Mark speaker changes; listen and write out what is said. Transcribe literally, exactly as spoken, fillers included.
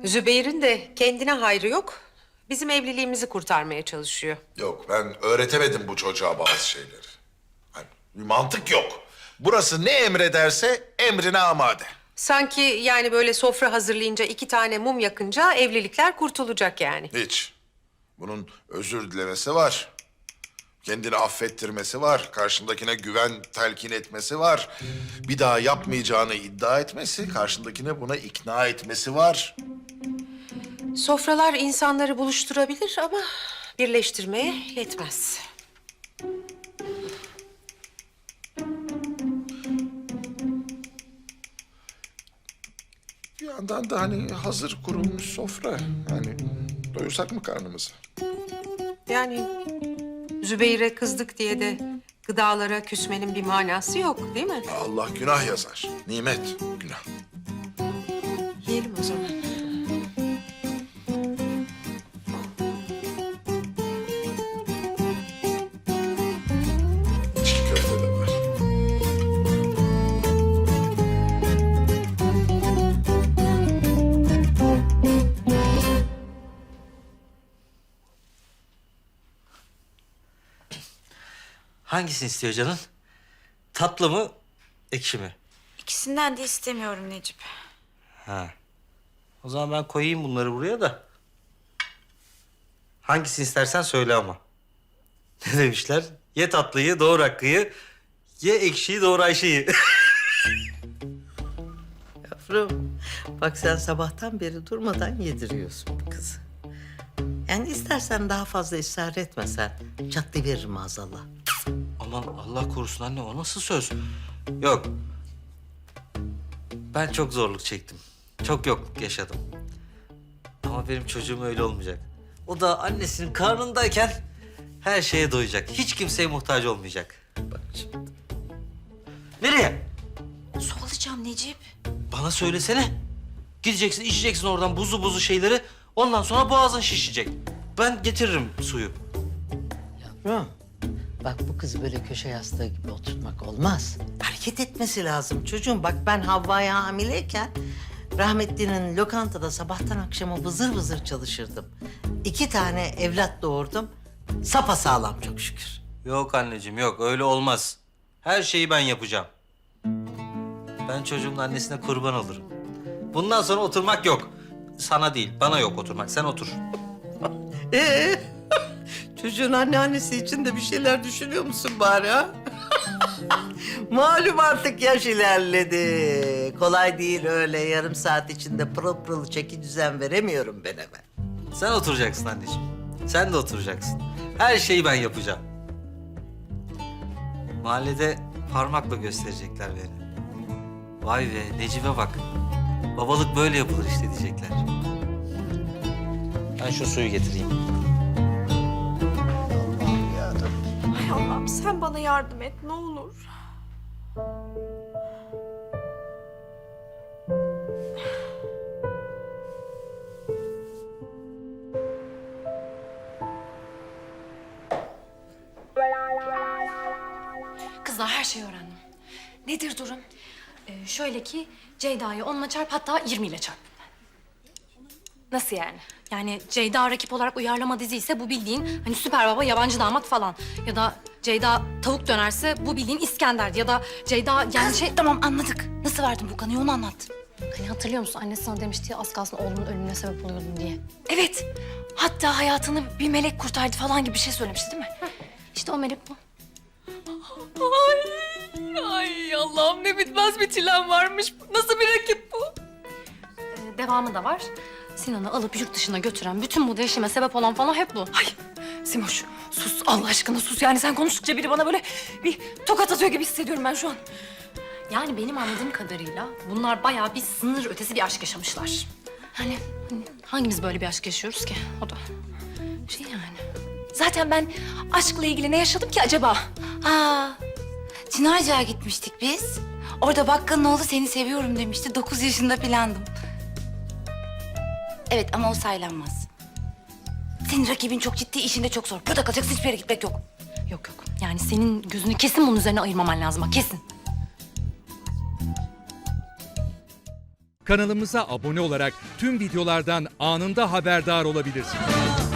Speaker 1: Zübeyir'in de kendine hayrı yok. Bizim evliliğimizi kurtarmaya çalışıyor.
Speaker 2: Yok, ben öğretemedim bu çocuğa bazı şeyleri. Hani bir mantık yok. Burası ne emrederse emrine amade.
Speaker 1: Sanki yani böyle sofra hazırlayınca iki tane mum yakınca evlilikler kurtulacak yani.
Speaker 2: Hiç. Bunun özür dilemesi var. Kendini affettirmesi var. Karşındakine güven telkin etmesi var. Bir daha yapmayacağını iddia etmesi, karşındakine buna ikna etmesi var.
Speaker 1: Sofralar insanları buluşturabilir ama birleştirmeye yetmez.
Speaker 2: Bir yandan da hani hazır kurulmuş sofra. Yani doyursak mı karnımızı?
Speaker 1: Yani Zübeyir'e kızdık diye de gıdalara küsmenin bir manası yok değil mi?
Speaker 2: Allah günah yazar. Nimet günah.
Speaker 1: Yiyelim o zaman.
Speaker 2: İçli köfte de var.
Speaker 3: Hangisini istiyor canın? Tatlı mı, ekşi mi?
Speaker 4: İkisinden de istemiyorum Necip.
Speaker 3: Ha. O zaman ben koyayım bunları buraya da. Hangisini istersen söyle ama. Ne demişler? Ye tatlıyı, doğur hakkıyı. Ye ekşiyi, doğur Ayşe'yi.
Speaker 5: Yavrum, bak sen sabahtan beri durmadan yediriyorsun bu kızı. Yani istersen daha fazla ısrar etmesen çatlayıveririm maazallah.
Speaker 3: Aman Allah korusun anne, o nasıl söz? Yok. Ben çok zorluk çektim. Çok yokluk yaşadım. Ama benim çocuğum öyle olmayacak. O da annesinin karnındayken her şeye doyacak. Hiç kimseye muhtaç olmayacak.
Speaker 5: Bak şimdi.
Speaker 3: Nereye?
Speaker 4: Su alacağım Necip.
Speaker 3: Bana söylesene. Gideceksin, içeceksin oradan buzlu buzlu şeyleri. Ondan sonra boğazın şişecek. Ben getiririm suyu.
Speaker 5: Yavrum, bak bu kızı böyle köşe yastığı gibi oturtmak olmaz. Hareket etmesi lazım çocuğum. Bak ben Havva'ya hamileyken rahmetlinin lokantada sabahtan akşama vızır vızır çalışırdım. İki tane evlat doğurdum. Sapasağlam çok şükür.
Speaker 3: Yok anneciğim yok, öyle olmaz. Her şeyi ben yapacağım. Ben çocuğumun annesine kurban olurum. Bundan sonra oturmak yok. Sana değil, bana yok oturmak. Sen otur.
Speaker 5: Ee, çocuğun anneannesi için de bir şeyler düşünüyor musun bari ha? Malum artık yaş ilerledi. Kolay değil öyle yarım saat içinde pırıl pırıl çeki düzen veremiyorum ben hemen.
Speaker 3: Sen oturacaksın anneciğim. Sen de oturacaksın. Her şeyi ben yapacağım. Mahallede parmakla gösterecekler beni. Vay be, Necip'e bak. Babalık böyle yapılır işte diyecekler. Ben şu suyu getireyim.
Speaker 4: Ay Allah'ım sen bana yardım et ne olur.
Speaker 6: Kızlar her şeyi öğrendim. Nedir durum? Ee, şöyle ki Ceyda'yı onunla çarp hatta yirmi ile çarp.
Speaker 7: Nasıl yani?
Speaker 6: Yani Ceyda rakip olarak uyarlama dizi ise bu bildiğin hani süper baba yabancı damat falan. Ya da Ceyda tavuk dönerse bu bildiğin İskender. Ya da Ceyda yani
Speaker 7: Kız,
Speaker 6: şey...
Speaker 7: tamam anladık. Nasıl verdin bu kanıyı onu anlat.
Speaker 6: Hani hatırlıyor musun? Annesi sana demişti ya az kalsın oğlunun ölümüne sebep oluyordun diye.
Speaker 7: Evet. Hatta hayatını bir melek kurtardı falan gibi bir şey söylemişti değil mi?
Speaker 6: İşte o melek bu.
Speaker 7: Ay, ay Allah'ım ne bitmez bir çilem varmış. Nasıl bir rakip bu?
Speaker 6: Ee, devamı da var. Sinan'ı alıp yurt dışına götüren, bütün bu değişime sebep olan falan hep bu.
Speaker 7: Ay Simoş sus Allah aşkına sus. Yani sen konuştukça biri bana böyle bir tokat atıyor gibi hissediyorum ben şu an.
Speaker 6: Yani benim anladığım kadarıyla bunlar bayağı bir sınır ötesi bir aşk yaşamışlar. Hani, hani hangimiz böyle bir aşk yaşıyoruz ki? O da şey yani.
Speaker 7: Zaten ben aşkla ilgili ne yaşadım ki acaba?
Speaker 4: Aa, Çınarca'ya gitmiştik biz. Orada bakkalın oğlu seni seviyorum demişti. Dokuz yaşında filandım. Evet ama o saylanmaz. Senin rakibin çok ciddi, işinde çok zor. Burada kalacaksın, hiçbir yere gitmek yok.
Speaker 6: Yok yok. Yani senin gözünü kesin bunun üzerine ayırmaman lazım. Bak kesin.
Speaker 8: Kanalımıza abone olarak tüm videolardan anında haberdar olabilirsiniz.